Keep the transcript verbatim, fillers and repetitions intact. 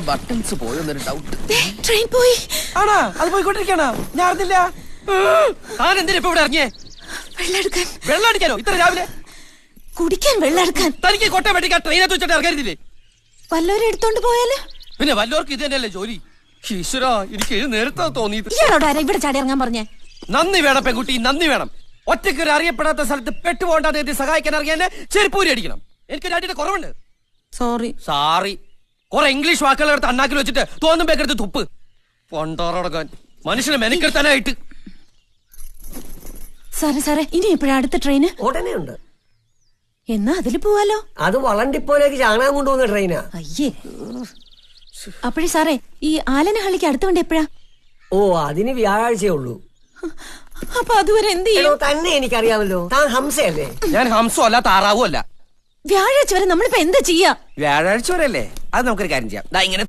Buttons പോയെന്നൊരു doubt. Train പോയി. ആണാ? അത് പോയിക്കൊണ്ടിരിക്കണോ? ഞാൻ അറിഞ്ഞില്ല. താൻ എന്തിനാ ഇപ്പൊ ഇവിടെ ഇറങ്ങിയേ? വെള്ളം എടുക്കാൻ. വെള്ളം അടിക്കാനോ ഇത്ര രാവിലെ? കുടിക്കാൻ വെള്ളം എടുക്കാൻ. തനിക്ക് കോട്ടയം വെട്ടിക്കാൻ ട്രെയിനകത്ത് വെച്ചിട്ട് ഇറങ്ങരുതില്ലേ? വല്ലവരും എടുത്തോണ്ട് പോയാല്? പിന്നെ വല്ലവർക്ക് ഇത് തന്നെയല്ലേ ജോലി. ഈശ്വരാ, എനിക്ക് ഇത് നേരത്തെ തോന്നിയത്. ഇയാളോട് ആരാ ഇവിടെ ചാടി ഇറങ്ങാൻ പറഞ്ഞേ? നന്ദി വേണം പെൺകുട്ടി, നന്ദി വേണം. ഒറ്റയ്ക്ക് അറിയപ്പെടാത്ത സ്ഥലത്ത് പെട്ടുപോകേണ്ടാതെ എത്തി സഹായിക്കാൻ ഇറങ്ങിയ ചെരുപ്പൂരി അടിക്കണം. എനിക്ക് രാജ്യത്തെ കുറവുണ്ട്. സോറി. സാറി. കുറെ ഇംഗ്ലീഷ് വാക്കുകൾ എടുത്ത് അണ്ണാക്കിൽ വെച്ചിട്ട് തോന്നുമ്പോഴെടുത്ത് തുപ്പ്. പൊണ്ടോറടക്കാൻ മനുഷ്യനെ മെനക്കെടുത്താനായിട്ട്. സാറേ സാറേ, ഇനി എപ്പോഴാ അടുത്ത ട്രെയിന്? ഉടനെ ഉണ്ട്. എന്നാ അതില് പോവാലോ. അത് വളണ്ടിപ്പോലേക്ക് ചാണകം കൊണ്ടുപോകുന്ന ട്രെയിനാ. അയ്യേ. അപ്പോഴേ സാറേ, ഈ ആലനഹള്ളിക്ക് അടുത്ത വണ്ടി എപ്പോഴാ? ഓ, അതിന് വ്യാഴാഴ്ചയേ ഉള്ളൂ. അപ്പൊ അതുവരെ എന്ത് ചെയ്യും? തന്നെ എനിക്കറിയാമല്ലോ, താൻ ഹംസയല്ലേ? ഞാൻ ഹംസോ അല്ല താറാവും അല്ല. വ്യാഴാഴ്ച വരെ നമ്മളിപ്പോ എന്താ ചെയ്യാ? വ്യാഴാഴ്ച വരെ അല്ലേ? അത് നമുക്കൊരു കാര്യം ചെയ്യാം. ഇങ്ങനെ